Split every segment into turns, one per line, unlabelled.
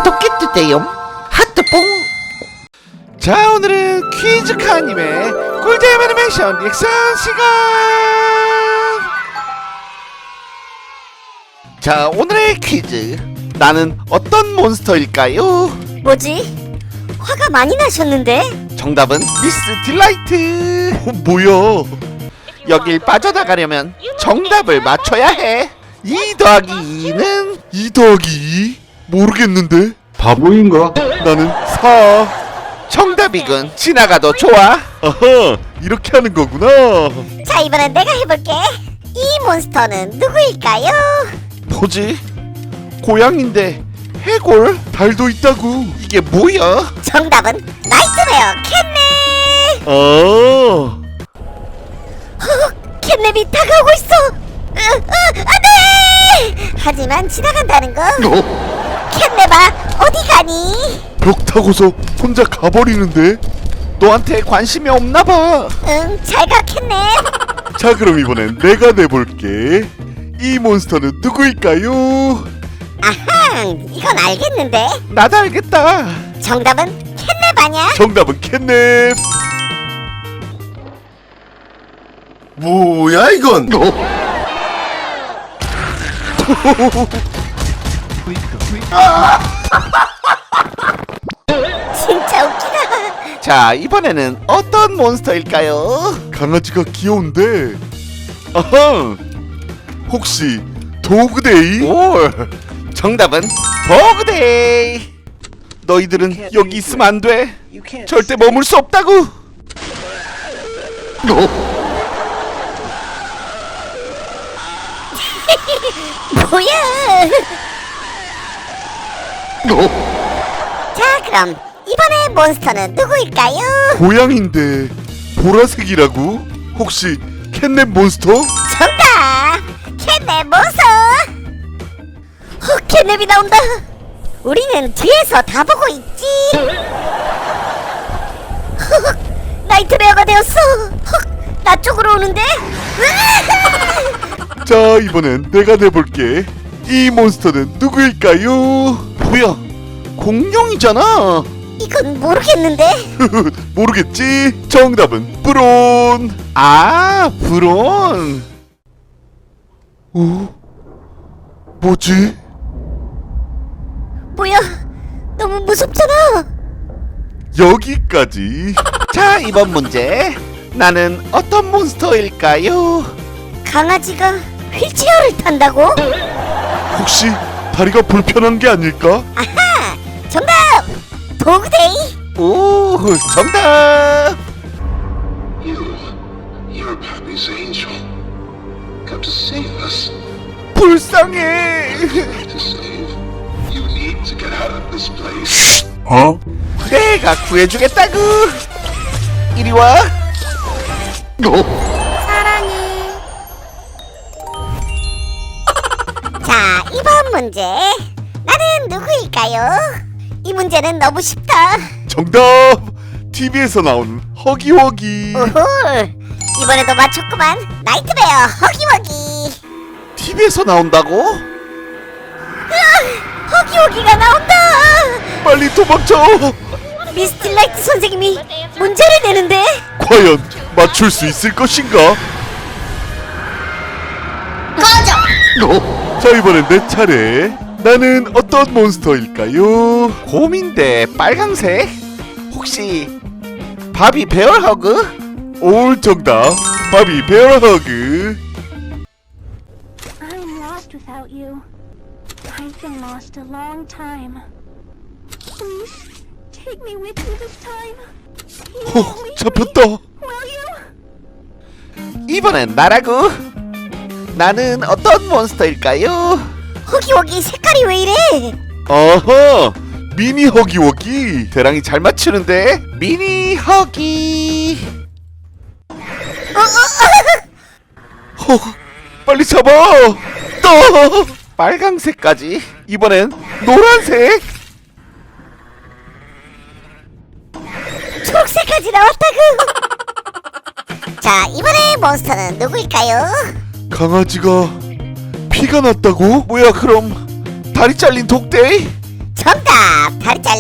구독해주세요. 하트뽕. 자, 오늘은 퀴즈카님의 꿀잼 애니메이션 리액션 시간. 자, 오늘의 퀴즈, 나는 어떤 몬스터일까요?
뭐지? 화가 많이 나셨는데?
정답은 미스 딜라이트. 뭐야? 여길 빠져나가려면 정답을 맞춰야 해. 2 더하기 2는
2 더하기 2? 모르겠는데? 바보인가? 나는 4.
정답이군. 지나가도 좋아.
아하, 이렇게 하는 거구나.
자, 이번엔 내가 해볼게. 이 몬스터는 누구일까요?
뭐지? 고양인데 해골?
달도 있다고.
이게 뭐야?
정답은 나이트메어 캣넵!
아,
캣넵이 다가오고 있어! 안돼! 하지만 지나간다는 거. 캣넵아, 어디 가니?
벽 타고서 혼자 가버리는데?
너한테 관심이 없나봐.
응, 잘 가, 캣넵.
자, 그럼 이번엔 내가 내볼게. 이 몬스터는 누구일까요?
아하, 이건 알겠는데.
나도 알겠다.
정답은 캣넵 아냐?
정답은 캣넵.
뭐야 이건?
진짜 웃기다.
자, 이번에는 어떤 몬스터일까요?
강아지가 귀여운데. 아하, 혹시 도그데이?
올. 정답은 버그데이. 너희들은 여기 있으면 안 돼. 절대 머물 수 없다고.
뭐야? 자, 그럼 이번에 몬스터는 누구일까요?
고양인데 보라색이라고? 혹시 캣넵 몬스터?
정답! 캣넵 몬스터! 캣넵이 나온다! 우리는 뒤에서 다 보고 있지! 나이트메어가 되었어! 나 쪽으로 오는데?
자, 이번엔 내가 내볼게. 이 몬스터는 누구일까요?
뭐야? 공룡이잖아.
이건 모르겠는데?
모르겠지? 정답은 브론.
아, 브론.
어? 뭐지?
뭐야? 너무 무섭잖아!
여기까지.
자, 이번 문제, 나는 어떤 몬스터일까요?
강아지가 휠체어를 탄다고?
혹시 다리가 불편한 게 아닐까?
아하! 정답! 도그데이!
오, 정답.
You're Pappy's angel. Come to save us.
불쌍해.
To save. You need to get out of this place.
어?
내가 구해주겠다구. 이리 와.
사랑해. 자, 이번 문제. 나는 누구일까요? 이 문제는 너무 쉽다.
정답! TV에서 나오는 허기허기.
오호. 이번에도 맞췄구만. 나이트메어 허기허기.
TV에서 나온다고?
허기허기가 나온다.
빨리 도망쳐.
미스틸라이트 선생님이 문제를 내는데.
과연 맞출 수 있을 것인가? 자, 이번엔 내 차례. 나는 어떤 몬스터일까요?
곰인데 빨강색? 혹시 바비 베어허그?
올 정답. 바비 베어허그.
I'm lost without you. I've been lost a long time. Please, take me with you this time. You won't leave me,
잡혔다.
will you?
이번엔 나라고. 나는 어떤 몬스터일까요?
허기허기 색깔이 왜 이래?
아하, 미니 허기허기.
대랑이 잘 맞추는데. 미니 허기.
허, 빨리 잡아. 떠.
빨강색까지. 이번엔 노란색.
초록색까지 나왔다구. 자, 이번에 몬스터는 누구일까요?
강아지가 피가 났다고?
뭐야, 그럼 다리 잘린 독데이?
정답!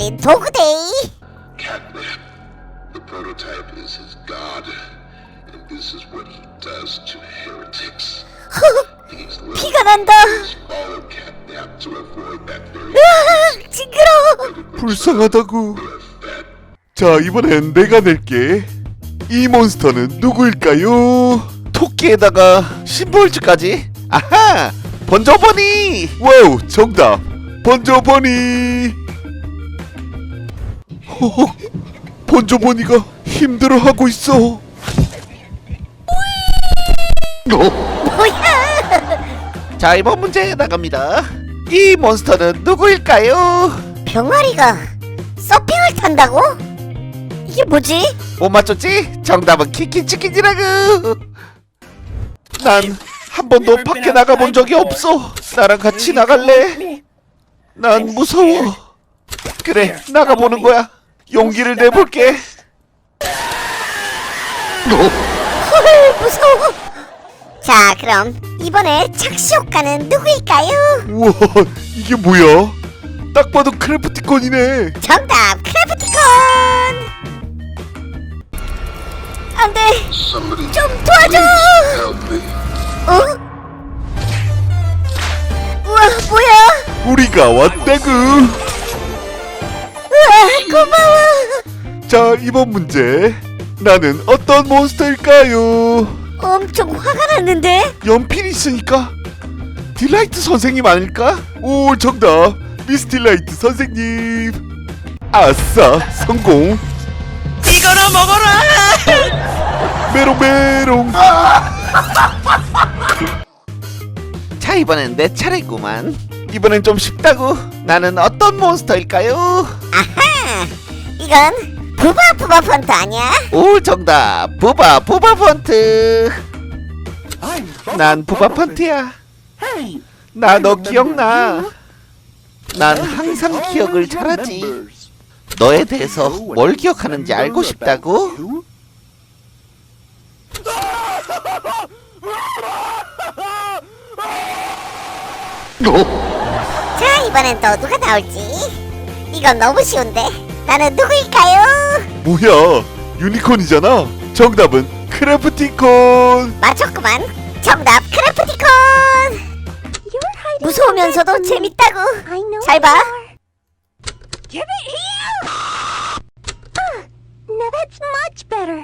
달린 도그데이.
Catnap. The prototype is his god, and this is what he does to heretics. These
피가 난다.
liberals follow Catnap to avoid that very
으아, 징그러워.
불쌍하다고.
fat.
자, 이번엔 내가 낼게. 이 몬스터는 누구일까요?
토끼에다가 심볼즈까지. 아하, 번져버니.
와우, 정답. 번져보니. 허허, 번져보니가 힘들어하고 있어.
뭐야?
자, 이번 문제 나갑니다. 이 몬스터는 누구일까요?
병아리가 서핑을 탄다고? 이게 뭐지?
못 맞췄지? 정답은 키키치킨이라고. 난 한 번도 밖에 나가본 적이 없어. 나랑 같이 나갈래? 난 무서워. 그래, 나가보는 거야. 용기를 내볼게.
헐, 무서워. 자, 그럼 이번에 착시 효과는 누구일까요?
우와, 이게 뭐야? 딱 봐도 크래프티콘이네.
정답, 크래프티콘. 안돼,
Somebody
좀 도와줘.
help me.
어? 우와, 뭐야?
우리가 왔다구.
우와, 고마워.
자, 이번 문제. 나는 어떤 몬스터일까요?
엄청 화가 났는데?
연필이 있으니까 딜라이트 선생님 아닐까? 오, 정답. 미스 딜라이트 선생님. 아싸, 성공.
이거나 먹어라.
메롱메롱.
자, 이번엔 내 차례구만. 이번엔 좀 쉽다고. 나는 어떤 몬스터일까요?
아하, 이건 부바 펀트 아니야?
오, 정답. 부바 펀트. 난 부바 펀트야. 나 너 기억나? 난 항상 기억을 잘하지. 너에 대해서 뭘 기억하는지 알고 싶다고?
자, 이번엔 또 누가 나올지? 이건 너무 쉬운데. 나는 누구일까요?
뭐야, 유니콘이잖아. 정답은 크래프티콘.
맞췄구만. 정답, 크래프티콘.
You're hiding
무서우면서도
from me.
재밌다고.
I know
잘 봐.
you are. Give it here. Now that's much better.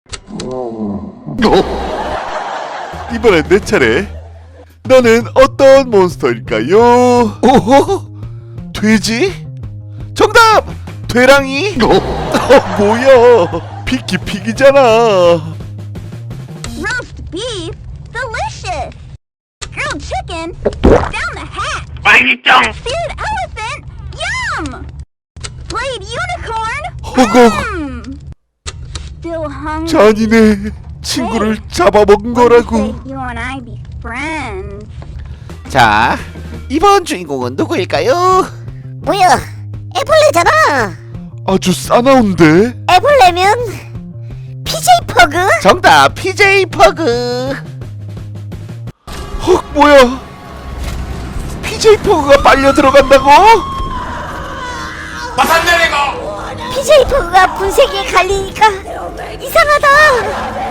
이번엔 내 차례. 나는 어떤 몬스터일까요?
오호, 돼지? 정답! 돼랑이?
뭐야, 피키피기잖아.
Roast beef, delicious. Grilled chicken, down the hatch. Seared elephant, yum. Played unicorn,
허걱,
Still hungry.
잔인해. 친구를 잡아먹은 거라고.
You and I be friends.
자, 이번 주인공은 누구일까요?
뭐야? 애벌레잖아.
아주 싸나운데?
애벌레면 PJ 퍼그?
정답, PJ 퍼그.
헉, 뭐야,
PJ 퍼그가 빨려 들어간다고?
PJ 퍼그가 분쇄기에 갈리니까 이상하다.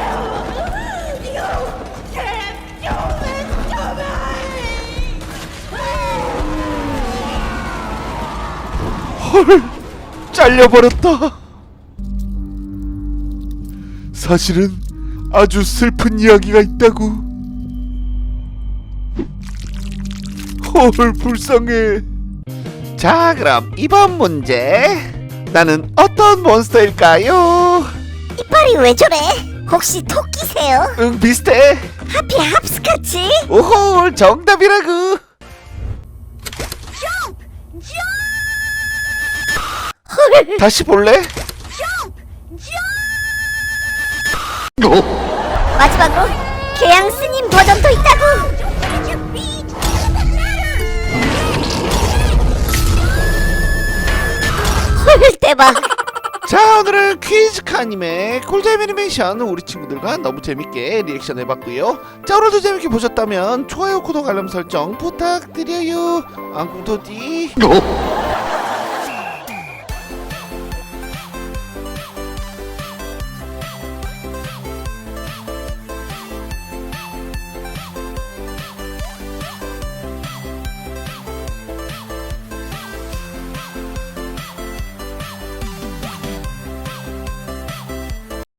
헐, 잘려버렸다. 사실은 아주 슬픈 이야기가 있다고. 헐, 불쌍해.
자, 그럼 이번 문제. 나는 어떤 몬스터일까요?
이빨이 왜 저래? 혹시 토끼세요?
응, 비슷해.
하필 합스카치?
오호, 정답이라고.
Jump! Jump!
헐.
다시 볼래?
Jump! Jump!
마지막으로 개양 스님 버전도 있다고.
Get your feet in the matter!
헐, 대박.
자, 오늘은 퀴즈카님의 꿀잼 애니메이션 우리 친구들과 너무 재밌게 리액션 해봤고요. 자, 오늘도 재밌게 보셨다면 좋아요, 구독, 알람 설정 부탁드려요. 앙꿍토디.